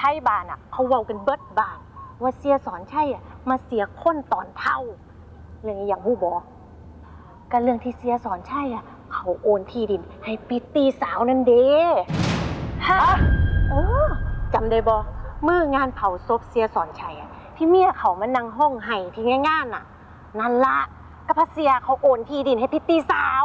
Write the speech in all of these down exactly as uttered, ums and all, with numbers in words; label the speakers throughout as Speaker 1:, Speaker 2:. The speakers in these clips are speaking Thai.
Speaker 1: ทยบ้านอ่ะเขาเว้ากันเบิดบ้านว่าเสียสอนชัยอ่ะมาเสียคนตอนเท่าเรื่องอย่างฮู้บ่ก็เรื่องที่เสียสอนชัยอ่ะเขาโอนที่ดินให้ปิตตี้สาวนั่นเด้ฮะเออจำได้บ่มื้องานเผาศพเสียสอนชัยอ่ะที่เมียเขามานั่งห้องไห้ที่งานน่ะนั่นละก็พะเสียเขาโอนที่ดินให้พิตตี้สาว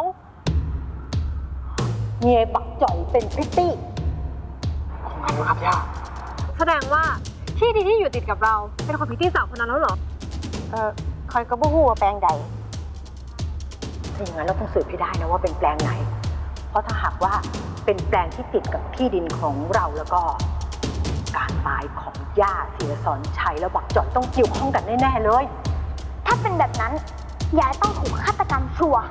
Speaker 1: เมียบักจ่อยเป็นพิตตี้
Speaker 2: ผมไม่รู้ครับย่า
Speaker 3: แสดงว่าที่ดินที่อยู่ติดกับเราเป็นของพิตตี้สาวคนนั้นแล้วเหรอ
Speaker 1: เออคอยก็บ่ฮู้ว่าแปลงใดถ้าอย่างนั้นเราต้องสืบให้ได้นะว่าเป็นแปลงไหนเพราะถ้าหากว่าเป็นแปลงที่ติดกับที่ดินของเราแล้วก็การตายของย่าเสียสอนชัยแล้วบักจ่อยต้องเกี่ยวข้องกันแน่ๆเลย
Speaker 4: ถ้าเป็นแบบนั้นยายต้องถูกฆาตกรรมชัวร์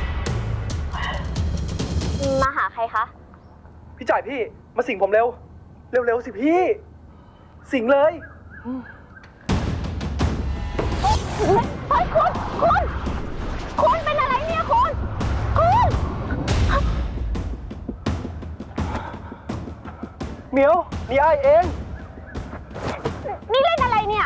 Speaker 4: มาหาใครคะ
Speaker 2: พี่จ่ายพี่มาสิงผมเร็วเร็วๆสิพี่สิงเลย
Speaker 4: เฮ้ยคุณคุณคุณเป็นอะไรเนี่ยคุณคุณ
Speaker 2: เหมียวนี่ไอเอง
Speaker 4: นี่เล่นอะไรเนี่ย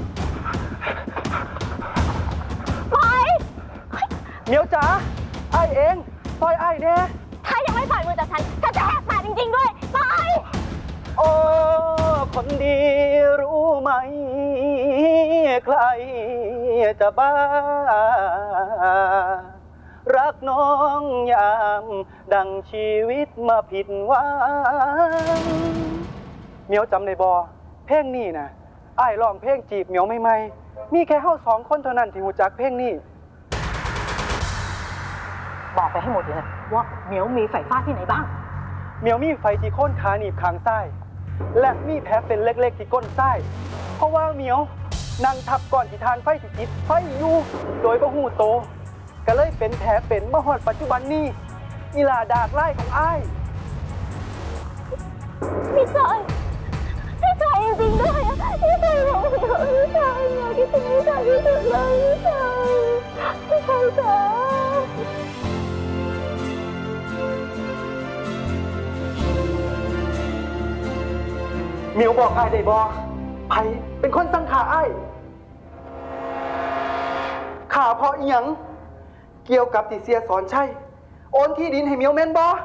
Speaker 4: ปล่อย
Speaker 2: เหมียวจ๋าไอเองปล่อยไอแน่
Speaker 4: ถ้ายังไม่ปล่อยมือจากฉันฉันจะแหกปากจริงๆด้วยปล่อย
Speaker 2: โอ้คนดีรู้ไหมใครจะบ้ารักน้องยามดังชีวิตมาผิดหวังเหมียวจำได้บ่เพลงนี้นะอ้ายร้องเพลงจีบเหมียวใหม่ๆมีแค่เฮาสองคนเท่านั้นที่รู้จักเพลงนี้
Speaker 1: บอกไปให้หมดเลยว่าเหมียวมีไฟฟ้าที่ไหนบ้าง
Speaker 2: เหมียวมีไฟที่โค่นขาหนีบข้างซ้ายและมีแผลเป็นเล็กๆที่ก้นซ้ายเพราะว่าเหมียวนั่งทับก่อนที่ทานไฟที่จิตไฟอยู่โดยบ่ฮู้โตก็เลยเป็นแผลเป็นมาฮอดปัจจุบันนี้อีหลาดากไล่ของอ้าย
Speaker 4: พี่ชายพี่ชายจริงๆด้วยพี่ชายบอกเหมียวพี่ชายเหมียวคิดถึงพี่ชายที่สุดเลยพี่ชายพี่ชายจ๋า
Speaker 2: เหมียวบอกอ้ายได้บ่ไผเป็นคนสั่งขาอ้ายขาเพราะอีหยังเกี่ยวกับที่เสียสอนชัยโอนที่ดินให้เหมียวแม่นบ่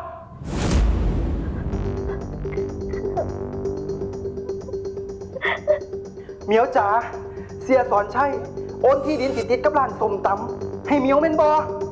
Speaker 2: เหมียวจ๋าเสียสอนชัยโอนที่ดินติดติดกับร้านส้มตำให้เหมียวแม่นบ่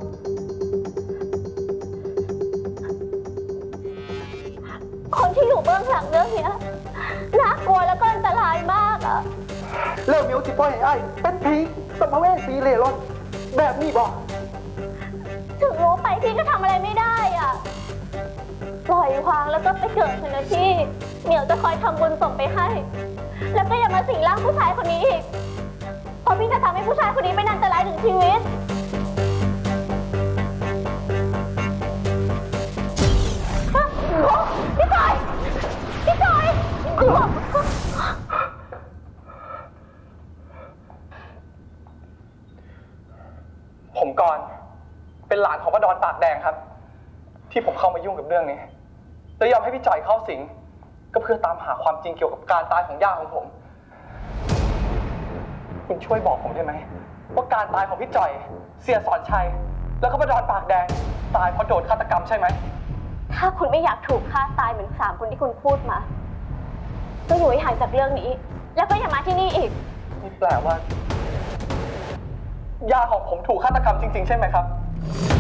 Speaker 4: คนที่อยู่เบื้องหลังเรื่องนี้น่ากลัวแล้วก็อันตรายมากอะ
Speaker 2: แล้วเหมียวสิปล่อยให้อ้ายเป็นผีสัมภเวสีเล่ร่อนแบบนี้บ่
Speaker 4: ถึงรู้ไปพี่ก็ทำอะไรไม่ได้อ่ะปล่อยวางแล้วก็ไปเกิดเถอะนะพี่เหมียวจะคอยทำบุญส่งไปให้แล้วก็อย่ามาสิงร่างผู้ชายคนนี้อีกเพราะพี่จะทำให้ผู้ชายคนนี้เป็นอันตรายถึงชีวิตพี่จอยพี่จอย
Speaker 2: ผมก่อนเป็นหลานของป้าดอนปากแดงครับที่ผมเข้ามายุ่งกับเรื่องนี้และยอมให้พี่จ่อยเข้าสิงก็เพื่อตามหาความจริงเกี่ยวกับการตายของย่าของผมคุณช่วยบอกผมได้ไหมว่าการตายของพี่จ่อยเสียสอนชัยแล้วก็ป้าดอนปากแดงตายเพราะโดนฆาตกรรมใช่ไหม
Speaker 4: ถ้าคุณไม่อยากถูกฆ่าตายเหมือนสามคนที่คุณพูดมาก็อยู่ให้ห่างจากเรื่องนี้แล้วก็อย่ามาที่นี่อีก
Speaker 2: นี่แปลว่าย่าของผมถูกฆาตกรรมจริงๆใช่ไหมครับ